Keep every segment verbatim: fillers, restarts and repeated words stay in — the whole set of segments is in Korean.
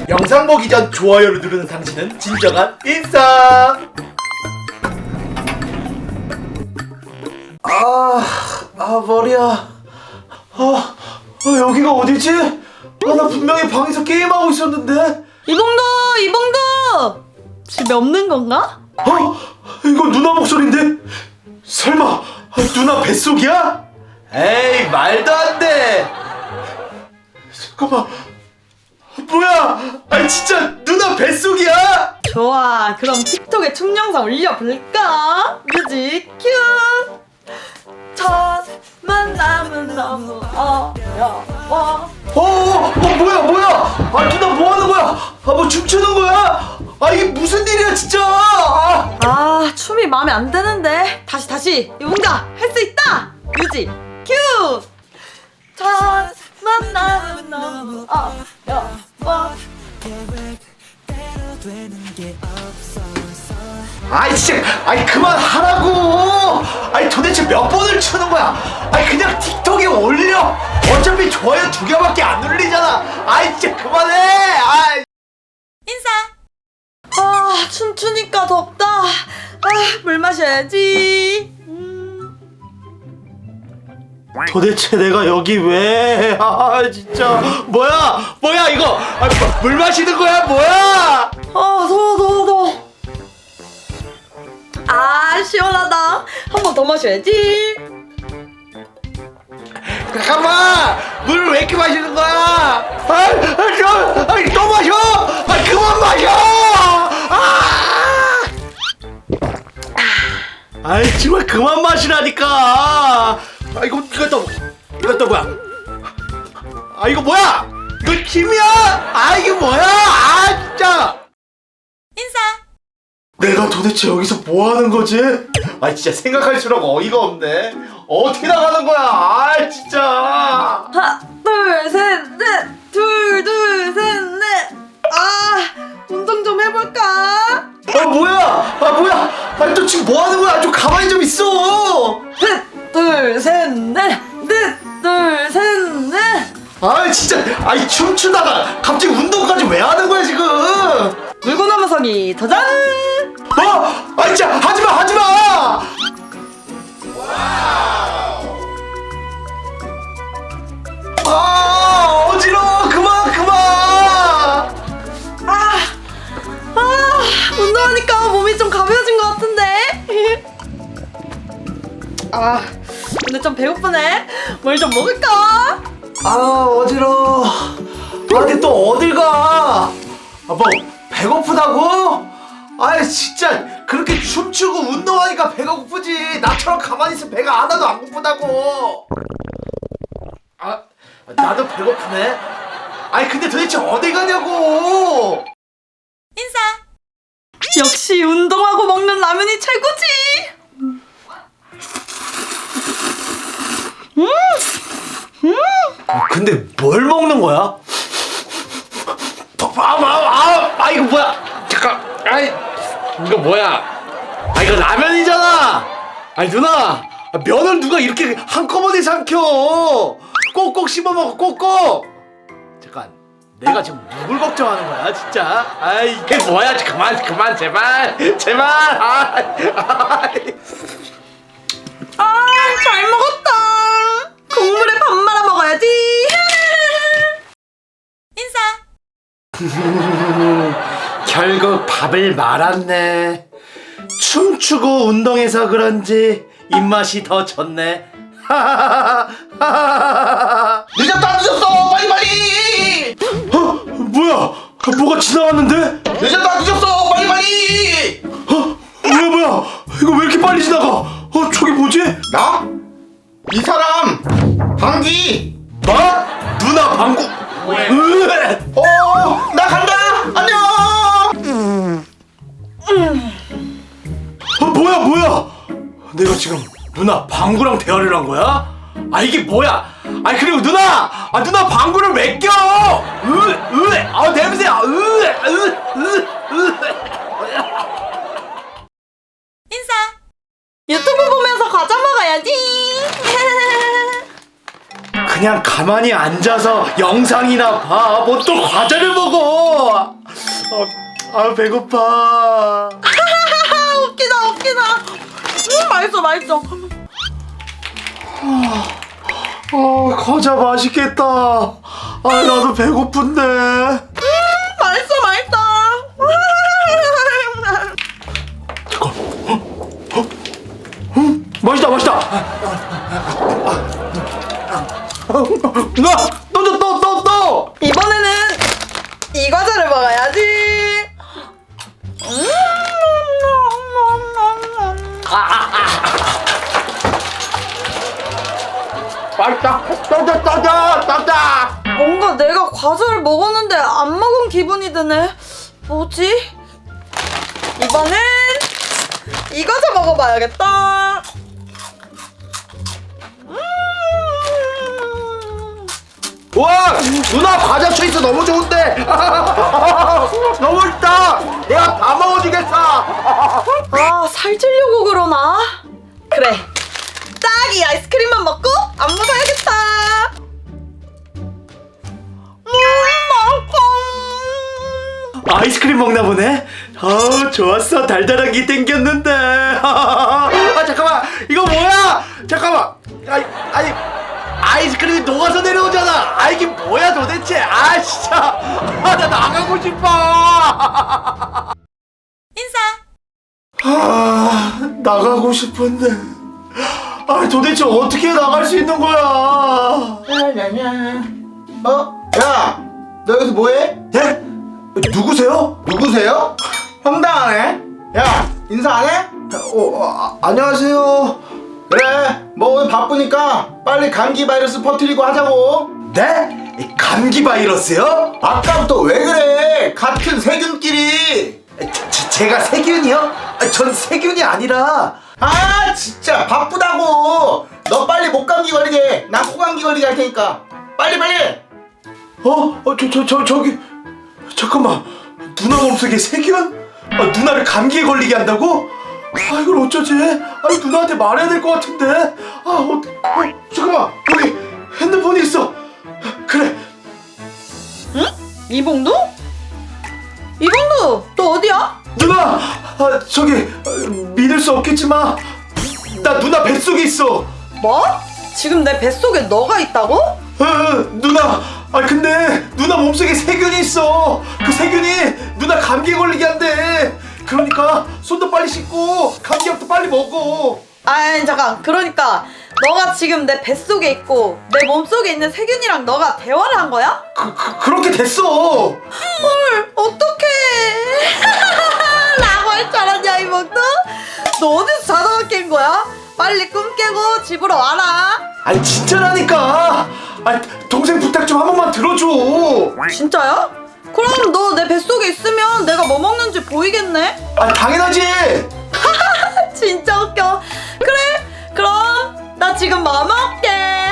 영상 보기 전 좋아요를 누르는 당신은 진정한 인싸. 아, 아 머리야. 아, 아 여기가 어디지? 아, 나 분명히 방에서 게임하고 있었는데. 이봉도, 이봉도! 집에 없는 건가? 어? 이거 누나 목소리인데? 설마 아, 누나 뱃속이야? 에이 말도 안 돼. 잠깐만. 뭐야? 아 진짜 누나 뱃속이야? 좋아, 그럼 틱톡에 춤 영상 올려볼까? 뮤직 큐! 첫 만남은 너무 어려워. 어, 어, 어 뭐야 뭐야? 아 누나 뭐 하는 거야? 아 뭐 춤추는 거야? 아 이게 무슨 일이야 진짜? 아, 아, 춤이 마음에 안 드는데. 다시 다시. 이봉가, 할 수 있다! 뮤직 큐! 첫 만남은 너무 어려워. 아이 진짜, 아이 그만하라고. 아이 도대체 몇 번을 추는 거야? 아이 그냥 틱톡에 올려. 어차피 좋아요 두 개밖에 안 눌리잖아. 아이 진짜 그만해. 아이. 아, 춤추니까 덥다. 아, 물 마셔야지. 음. 도대체 내가 여기 왜? 아 진짜 뭐야 뭐야 이거? 아, 물 마시는 거야 뭐야? 아, 더워, 더워, 더워. 아, 시원하다. 한 번 더 마셔야지. 잠깐만 물을 왜 이렇게 마시는 거야? 아, 아, 저, 아니 또 마셔? 아 그만 마셔! 아! 아이 정말 그만 마시라니까. 아 이거 이거 또 이거 또 뭐야? 아 이거 뭐야? 이거 김이야? 아 이게 뭐야? 아 진짜. 내가 도대체 여기서 뭐 하는 거지? 아 진짜 생각할수록 어이가 없네. 어떻게 나가는 거야? 아 진짜. 하나, 둘, 셋, 넷. 둘, 둘, 셋, 넷. 아, 운동 좀 해볼까? 아 뭐야? 아 뭐야? 아니 또 지금 뭐 하는 거야? 좀 가만히 좀 있어. 셋, 둘, 셋, 넷. 넷, 둘, 셋, 넷. 아 진짜. 아이 춤추다가 갑자기 운동까지 왜 하는 거야 지금? 물고 넘어서기 도전! 어? 아 진짜 하지마 하지마. 아 어지러워. 그만 그만. 아, 아, 운동하니까 몸이 좀 가벼워진 것 같은데? 아, 근데 좀 배고프네. 뭘 좀 먹을까? 아 어지러워. 아 근데 또 어딜 가? 아 뭐 배고프다고? 아 진짜 그렇게 춤추고 운동하니까 배가 고프지. 나처럼 가만히 있으면 배가 하나도 안 고프다고. 아 나도 배고프네. 아니 근데 도대체 어디 가냐고. 역시 운동하고 먹는 라면이 최고지. 음, 음. 아, 근데 뭘 먹는 거야? 아, 아, 아, 아 이거 뭐야? 잠깐, 아이 이거 뭐야? 아 이거 라면이잖아. 아니 누나, 아, 면을 누가 이렇게 한꺼번에 삼켜? 꼭꼭 씹어 먹어, 꼭꼭. 잠깐, 내가 지금 누굴 걱정하는 거야, 진짜? 아 이게 뭐야? 그만, 그만, 제발, 제발. 아, 아, 아, 잘 먹었다. 국물에 밥 말아 먹어야지. 결국 밥을 말았네. 춤추고 운동해서 그런지 입맛이 더 좋네. 늦었다 늦었어 빨리 빨리. 어 뭐야? 뭐가 지나갔는데? 늦었다 늦었어 빨리 빨리. 어 뭐야 뭐야? 이거 왜 이렇게 빨리 지나가? 어 저기 뭐지? 나? 이 사람 방귀. 뭐? 누나 방구. 으에. 어, 나 간다. 안녕. 어 뭐야 뭐야? 내가 지금 누나 방구랑 대화를 한 거야? 아 이게 뭐야? 아니 그리고 누나, 아 누나 방구를 왜 껴? 으, 으, 아 냄새, 으, 으, 으, 으. 유튜브 보면서 과자 먹어야지. 그냥 가만히 앉아서 영상이나 봐. 뭐 또 과자를 먹어. 아, 아 배고파. 웃기다 웃기다. 음 맛있어 맛있어. 아 과자 맛있겠다. 아 나도 배고픈데. 음 맛있어 맛있어. 잠깐. 어? 어? 음 맛있다 맛있다. 누나 또줘 또 또 또. 이번에는 이 과자를 먹어야지. 음. 맛있다. 또줘 또줘 또줘. 뭔가 내가 과자를 먹었는데 안 먹은 기분이 드네. 뭐지? 이번엔 이 과자 먹어봐야겠다. 음. 와 누나 과자 초이스 너무 좋은데. 너무 맛있다. 내가 다 먹어주겠어. 아, 살찌려고 그러나? 그래. 딱 이 아이스크림만 먹고 안무 사야겠다. 음, 맛있어. 아이스크림 먹나 보네. 아 좋았어. 달달한 게 땡겼는데. 아 잠깐만 이거 뭐야? 잠깐만. 아니 아니 아이스크림이 녹아서 내려오잖아. 아 이게 뭐야 도대체? 아 진짜. 아 나 나가고 싶어. 인사. 아 나가고 싶은데. 아 도대체 어떻게 나갈 수 있는 거야? 어? 야, 너 여기서 뭐해? 예? 누구세요? 누구세요? 황당하네. 야, 인사 안 해? 어, 아, 안녕하세요. 그래, 뭐 오늘 바쁘니까 빨리 감기 바이러스 퍼뜨리고 하자고. 네? 이 감기 바이러스요? 아까부터 왜 그래? 같은 세균끼리. 제, 제, 제가 세균이요? 아, 전 세균이 아니라. 아, 진짜 바쁘다고. 너 빨리 목 감기 걸리게. 난 코 감기 걸리게 할 테니까. 빨리 빨리. 어? 어, 저, 저, 저, 저기. 잠깐만. 누나 몸속에 세균? 아, 누나를 감기에 걸리게 한다고? 아, 이걸 어쩌지? 아, 누나한테 말해야 될 것 같은데. 아, 어, 어, 잠깐만. 여기 핸드폰이 있어. 그래. 응? 이봉두? 이봉두, 너 어디야? 누나! 아, 저기, 어, 믿을 수 없겠지만, 나 누나 뱃속에 있어. 뭐? 지금 내 뱃속에 너가 있다고? 어, 어, 누나! 아, 근데 누나 몸속에 세균이 있어. 그 세균이 누나 감기에 걸리게 한대. 그러니까 손도 빨리 씻고 감기약도 빨리 먹어. 아니 잠깐, 그러니까 너가 지금 내 뱃속에 있고 내 몸속에 있는 세균이랑 너가 대화를 한 거야? 그, 그, 그렇게 됐어. 헐, 어떡해. 라고 할 줄 알았냐 이봉두? 너 어디서 자다가 깬 거야? 빨리 꿈 깨고 집으로 와라. 아니, 진짜라니까. 아, 동생 부탁 좀 한 번만 들어줘. 진짜야? 그럼 너 내 뱃속에 있으면 내가 뭐 먹는지 보이겠네? 아, 당연하지. 진짜 웃겨. 그래, 그럼 나 지금 뭐 먹게.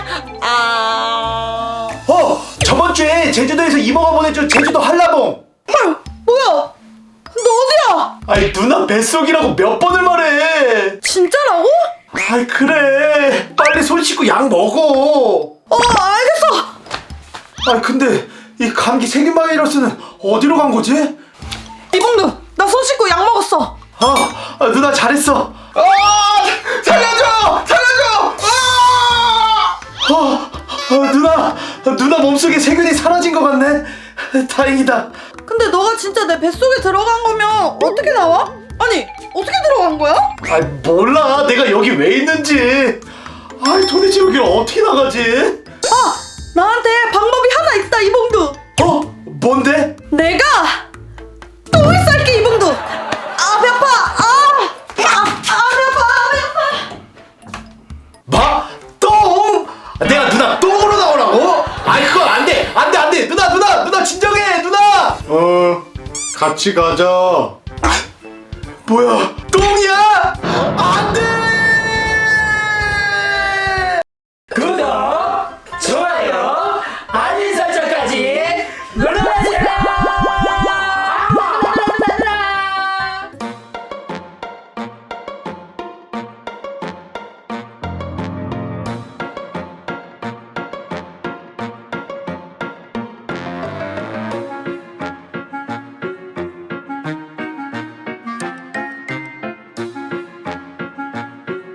아, 어, 저번 주에 제주도에서 이모가 보내준 제주도 한라봉. 헐, 뭐야? 너 어디야? 아니, 누나 뱃속이라고 몇 번을 말해. 진짜라고? 아이, 그래. 빨리 손 씻고 약 먹어. 어, 알겠어. 아 근데 이 감기 세균 바이러스는 어디로 간 거지? 이봉두, 나 손 씻고 약 먹었어. 아, 아 누나 잘했어. 아, 살려줘, 살려줘. 아! 아, 아 누나 누나 몸속에 세균이 사라진 것 같네. 다행이다. 근데 너가 진짜 내 뱃속에 들어간 거면 어떻게 나와? 아니, 어떻게 들어간 거야? 아 몰라 내가 여기 왜 있는지. 아 도대체 여기를 어떻게 나가지? 아, 나한테 방법이 하나 있다 이봉두. 어 뭔데? 내가 똥을 쌀게 이봉두. 아, 배 아파. 아, 아, 아, 배 아파. 아, 배 아파. 뭐? 똥? 내가 누나 똥으로 나오라고? 아이 그건 안돼 안돼 안돼 누나 누나 누나 진정해 누나. 어, 같이 가자. 뭐야